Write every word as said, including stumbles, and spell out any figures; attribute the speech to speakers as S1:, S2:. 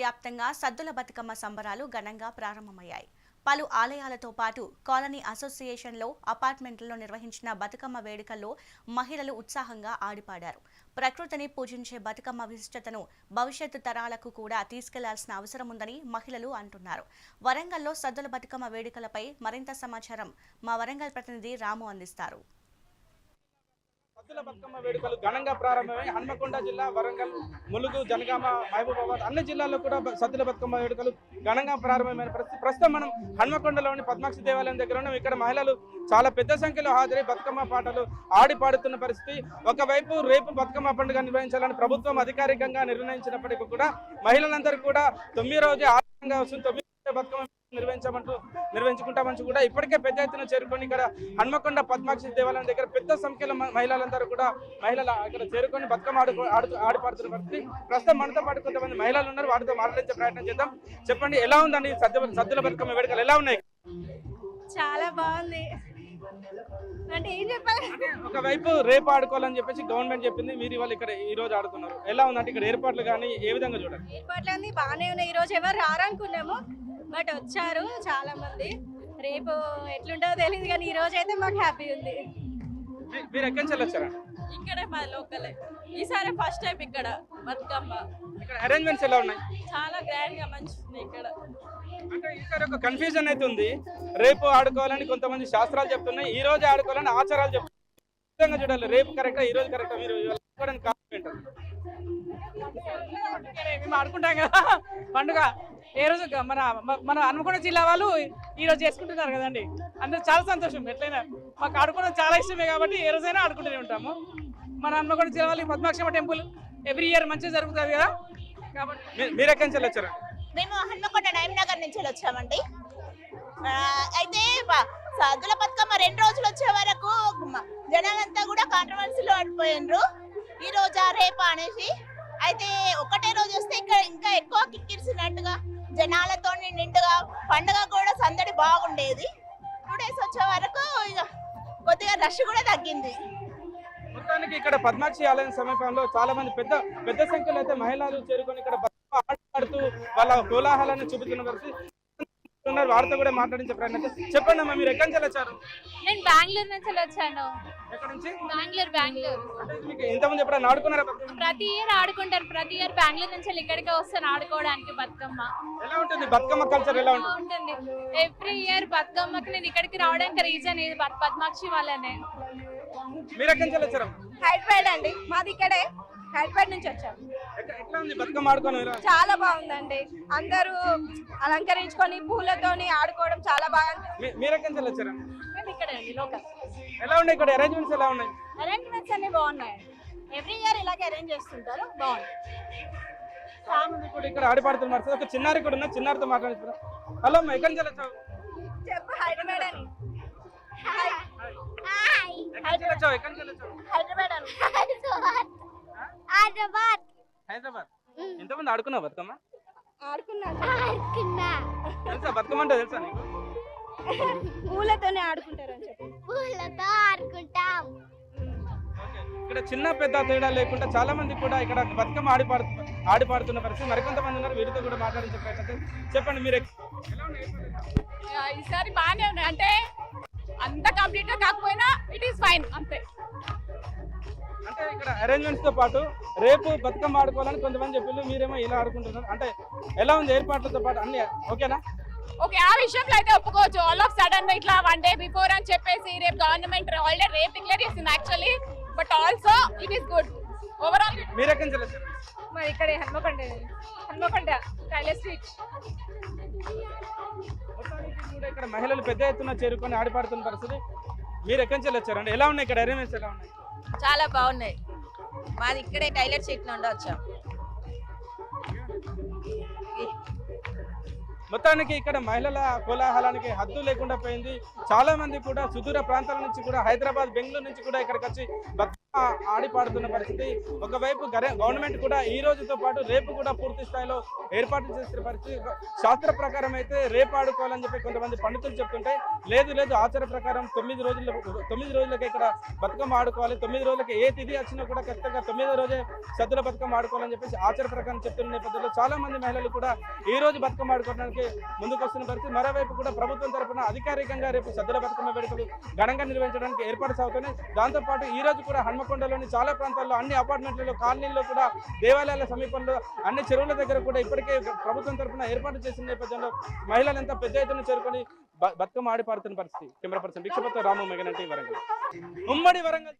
S1: వ్యాప్తంగా సద్దుల బతుకమ్మ సంబరాలు ఘనంగా ప్రారంభమయ్యాయి. పలు ఆలయాలతో పాటు కాలనీ అసోసియేషన్లో అపార్ట్మెంట్లలో నిర్వహించిన బతుకమ్మ వేడుకల్లో మహిళలు ఉత్సాహంగా ఆడిపాడారు. ప్రకృతిని పూజించే బతుకమ్మ విశిష్టతను భవిష్యత్తు తరాలకు కూడా తీసుకెళ్లాల్సిన అవసరం ఉందని మహిళలు అంటున్నారు. వరంగల్లో సద్దుల బతుకమ్మ వేడుకలపై మరింత సమాచారం మా వరంగల్ ప్రతినిధి రాము అందిస్తారు.
S2: సద్దుల బతుకమ్మ వేడుకలు ఘనంగా ప్రారంభమై హన్మకొండ జిల్లా, వరంగల్, ములుగు, జనగామ, మహబూబాబాద్ అన్ని జిల్లాల్లో కూడా సద్దుల బతుకమ్మ వేడుకలు ఘనంగా ప్రారంభమైన పరిస్థితి. ప్రస్తుతం మనం హన్మకొండలోని పద్మాక్షి దేవాలయం దగ్గర ఉన్నాం. ఇక్కడ మహిళలు చాలా పెద్ద సంఖ్యలో హాజరై బతుకమ్మ పాటలు ఆడి పాడుతున్న పరిస్థితి. ఒకవైపు రేపు బతుకమ్మ పండుగ నిర్వహించాలని ప్రభుత్వం అధికారికంగా నిర్ణయించినప్పటికీ కూడా మహిళలందరూ కూడా తొమ్మిది రోజు ఆనందంగా వస్తుంది. తొమ్మిది బతుకమ్మ నిర్వహించమంటూ నిర్వహించుకుంటామని కూడా ఇప్పటికే పెద్ద ఎత్తున చేరుకొని ఇక్కడ హన్మకొండ పద్మాక్షి దేవాలయం దగ్గర పెద్ద సంఖ్యలో మహిళలందరూ కూడా మహిళలు ఇక్కడ చేరుకొని బతుకమ్మ ఆడు ఆడుతూ ఆడిపాడుతున్న పరిస్థితి. ప్రస్తుతం మనతో పాటు కొంతమంది మహిళలు ఉన్నారు, వాటితో మాట్లాడించే ప్రయత్నం చేద్దాం. చెప్పండి, ఎలా ఉందండి సద్దు సద్దుల బతుకమ్మ వేడుకలు ఎలా ఉన్నాయి?
S3: చాలా బాగుంది. అంటే ఏం చెప్పాలి,
S2: ఒకవైపు రేపు ఆడుకోవాలని చెప్పేసి గవర్నమెంట్ చెప్పింది, మీరు ఇవాళ ఇక్కడ ఈ రోజు ఆడుతున్నారు. ఎలా ఉందంటే ఇక్కడ ఏర్పాట్లు కానీ ఏ విధంగా చూడండి?
S3: ఏర్పాట్లు అన్ని బాగానే ఉన్నాయి. ఈ రోజు ఎవరు రారనుకున్నాము, బట్ వచ్చారు చాలా మంది. రేపు ఎట్లుంటుందో తెలియదు, కానీ ఈ రోజు అయితే మాకు హ్యాపీ ఉంది.
S2: మీరు ఎక్కడి నుంచి వచ్చారా?
S4: ఇక్కడే మా లోకలే. ఈసారి ఫస్ట్ టైం ఇక్కడ బతుకమ్మ.
S2: ఇక్కడ అరేంజ్మెంట్స్ ఎలా ఉన్నాయి?
S4: చాలా గ్రాండ్ గా మంచి ఉంది ఇక్కడ.
S2: అంటే ఈసారి ఒక కన్ఫ్యూజన్ అయితే ఉంది. రేపు ఆడుకోవాలని కొంతమంది శాస్త్రాలు చెప్తున్నాయి, ఈ రోజు ఆడుకోవాలని ఆచారాలు చెప్తున్నాయి. చూడాలి, రేపు కరెక్టా ఈ రోజు కరెక్టా? మీరు
S5: మేము ఆడుకుంటాం కదా పండుగ. ఏ రోజు మన మన హన్మకొండ జిల్లా వాళ్ళు ఈ రోజు చేసుకుంటున్నారు కదండి, అందరూ చాలా సంతోషం. ఎట్లయినా మాకు ఆడుకోవడం చాలా ఇష్టమే కాబట్టి ఏ రోజైనా ఆడుకుంటూనే ఉంటాము. మన హన్మకొండ జిల్లా వాళ్ళు పద్మాక్షమ్మ టెంపుల్ ఎవ్రీ ఇయర్ మంచిగా జరుగుతుంది కదా. కాబట్టి
S2: మీరు ఎక్కడి నుంచి వచ్చారు?
S6: మేము హన్మకొండ నగర్ నుంచి వచ్చామండి. అయితే సద్దుల బతుకమ్మ రెండు రోజులు వచ్చే వరకు జనాలంతా కూడా కాంట్రవర్సీలో పడిపోయినరు, ఈ రోజా రేపా అనేసి. అయితే ఒకటే రోజు వస్తే ఇంకా ఇంకా ఎక్కువ కిక్కిరిసినట్టుగా జనాలతో నిండుగా పండుగ కూడా సందడి బాగుండేది. టూ డేస్ వచ్చే వరకు ఇక కొద్దిగా రష్ కూడా తగ్గింది.
S2: మొత్తానికి ఇక్కడ పద్మాక్షి ఆలయం సమీపంలో చాలా మంది పెద్ద పెద్ద సంఖ్యలో అయితే మహిళలు చేరుకొని ఇక్కడ ఆడుతూ వాళ్ళ కోలాహలాన్ని చూపుతున్న పరిస్థితి. వారితో కూడా మాట్లాడించే ప్రయత్నం. చెప్పండి అమ్మా, మీరు ఎక్కడి నుంచి వచ్చారు?
S7: నేను బెంగళూరు నుంచి వచ్చాను.
S2: ఎక్కడి నుంచి?
S7: బెంగళూరు బెంగళూరు
S2: ఇంతకుముందు ఎప్పుడైనా ఆడుకున్నారా?
S7: ప్రతి ఇయర్ ఆడుకుంటారు. ప్రతి ఇయర్ బెంగళూరు నుంచి ఇక్కడికే వస్తాను ఆడుకోవడానికి బతుకమ్మ.
S2: ఎలా ఉంటుంది బతుకమ్మ కల్చర్? ఎలా
S7: ఉంటుంది ఎవ్రీ ఇయర్ బతుకమ్మకి నేను ఇక్కడికి రావడానికి రీజన్ ఇది పద్మాక్షి వాళ్ళనే.
S2: మీరు ఎక్కడి నుంచి వచ్చారు?
S3: హైదరాబాద్ అండి, మాది ఇక్కడే. హైదరాబాద్ నుంచి వచ్చాము.
S2: ఎట్లా ఉంది బతుకమ్మ ఆడుకోవడం?
S3: చాలా బాగుందండి, అందరూ అలంకరించుకొని పూలతోని ఆడుకోవడం చాలా బాగా.
S2: మీరు ఎక్కడి నుంచి వచ్చారు?
S3: మేము ఇక్కడే అండి, లోకల్.
S2: ఎలా ఉన్నాయి ఇక్కడ అరేంజ్మెంట్స్? ఎలా ఉన్నాయి?
S3: అరేంజ్మెంట్స్ అన్ని బాగున్నాయి. ఎవ్రీ ఇయర్ ఇలాగే అరేంజ్ చేస్తుంటారు, బాగుంది.
S2: చాలా మంది కూడా ఇక్కడ ఆడిపాడుతున్నారు. ఒక చిన్నారి కూడా ఉన్నా, చిన్నారితో మాట్లాడుతున్నారు. హలో అమ్మా, ఎక్కడి నుంచి వచ్చావు?
S3: చెప్పు. హైదరాబాద్ అని.
S2: హైదరాబాద్
S3: హైదరాబాద్ అని.
S6: హైదరాబాద్
S2: హైదరాబాద్ ఎంతమంది ఆడుకున్నావు బతుకమ్మ?
S3: ఆడుకున్నాను.
S2: తెలుసా బతుకమ్మ అంటే? తెలుసా నీకు?
S3: పూలతోనే ఆడుకుంటారు అని చెప్పి.
S6: పూలతో ఆడుకుంటాం.
S2: ఇక్కడ చిన్న పెద్ద తేడా లేకుండా చాలా మంది కూడా ఇక్కడ బతుకమ్మ ఆడి పాడు ఆడి పాడుతున్న పరిస్థితి. మరికొంతమంది ఉన్నారు, వీరితో కూడా మాట్లాడించే ప్రయత్నం. చెప్పండి, మీరు
S4: ఈసారి బాగానే ఉన్నాయి. అంటే అంత కంప్లీట్ గా కాకపోయినా ఇట్ ఈస్ ఫైన్ అంతే.
S2: అంటే ఇక్కడ అరేంజ్మెంట్స్ తో పాటు రేపు బతుకమ్మ ఆడుకోవాలని కొంతమంది చెప్పారు, మీరేమో ఇలా ఆడుకుంటున్నారు. అంటే ఎలా ఉంది ఏర్పాట్లతో పాటు అన్ని ఓకేనా?
S4: ఓకే, ఆ విషయంలో అయితే ఒప్పుకోవచ్చు. ఆల్ ఆఫ్ సడన్ ఇట్లా వన్ డే బిఫోర్ అని చెప్పేసి రేపు గవర్నమెంట్ ఆల్రెడీ రేపు డిక్లేర్ చేసింది actually, but also it is good overall.
S2: మీరు ఎక్కడి నుంచి వచ్చారు?
S3: మరి ఇక్కడే హన్మకొండ. Hanamkonda tailor street.
S2: కూడా ఇక్కడ మహిళలు పెద్ద ఎత్తున చేరుకొని ఆడిపాడుతున్న పరిస్థితి. మీరు ఎక్కడి నుంచి వచ్చారండి? ఎలా ఉన్నాయి ఇక్కడ అరేంజ్మెంట్స్? ఎలా ఉన్నాయి?
S4: చాలా బాగున్నాయి. మాది ఇక్కడే టైలర్ స్ట్రీట్ నుండి వచ్చాం.
S2: మొత్తానికి ఇక్కడ మహిళల కోలాహలానికి హద్దు లేకుండా పోయింది. చాలా మంది కూడా సుదూర ప్రాంతాల నుంచి కూడా, హైదరాబాద్, బెంగళూరు నుంచి కూడా ఇక్కడికి వచ్చి ఆడి పాడుతున్న పరిస్థితి. ఒకవైపు గవర్నమెంట్ కూడా ఈ రోజుతో పాటు రేపు కూడా పూర్తి స్థాయిలో ఏర్పాటు చేసిన పరిస్థితి. శాస్త్ర ప్రకారం అయితే రేపు ఆడుకోవాలని చెప్పి కొంతమంది పండితులు చెప్తుంటే, లేదు లేదు ఆచార ప్రకారం తొమ్మిది రోజుల తొమ్మిది రోజులకి ఇక్కడ బతుకమ్మ ఆడుకోవాలి, తొమ్మిది రోజులకి ఏ తిథి వచ్చినా కూడా ఖచ్చితంగా తొమ్మిదో రోజే సద్దుల బతుకమ్మ ఆడుకోవాలని చెప్పేసి ఆచార ప్రకారం చెప్తున్న నేపథ్యంలో చాలా మంది మహిళలు కూడా ఈ రోజు బతుకమ్మ ఆడుకోవడానికి ముందుకు వస్తున్న పరిస్థితి. మరోవైపు కూడా ప్రభుత్వం తరఫున అధికారికంగా రేపు సద్దుల బతుకమ్మ వేడుకలు ఘనంగా నిర్వహించడానికి ఏర్పాటు సాగుతున్నాయి. దాంతోపాటు ఈ రోజు కూడా హన్మకొండలోని చాలా ప్రాంతాల్లో అన్ని అపార్ట్మెంట్లలో కాలనీల్లో కూడా దేవాలయాల సమీపంలో అన్ని చెరువుల దగ్గర కూడా ఇప్పటికే ప్రభుత్వం తరఫున ఏర్పాటు చేసిన నేపథ్యంలో మహిళలు ఎంత పెద్ద ఎత్తున చేరుకొని బతుకమ్మ ఆడి పాడుతున్న పరిస్థితి. Camera person Bhikshapathi Ramu Meganti Warangal. ఉమ్మడి వరంగల్.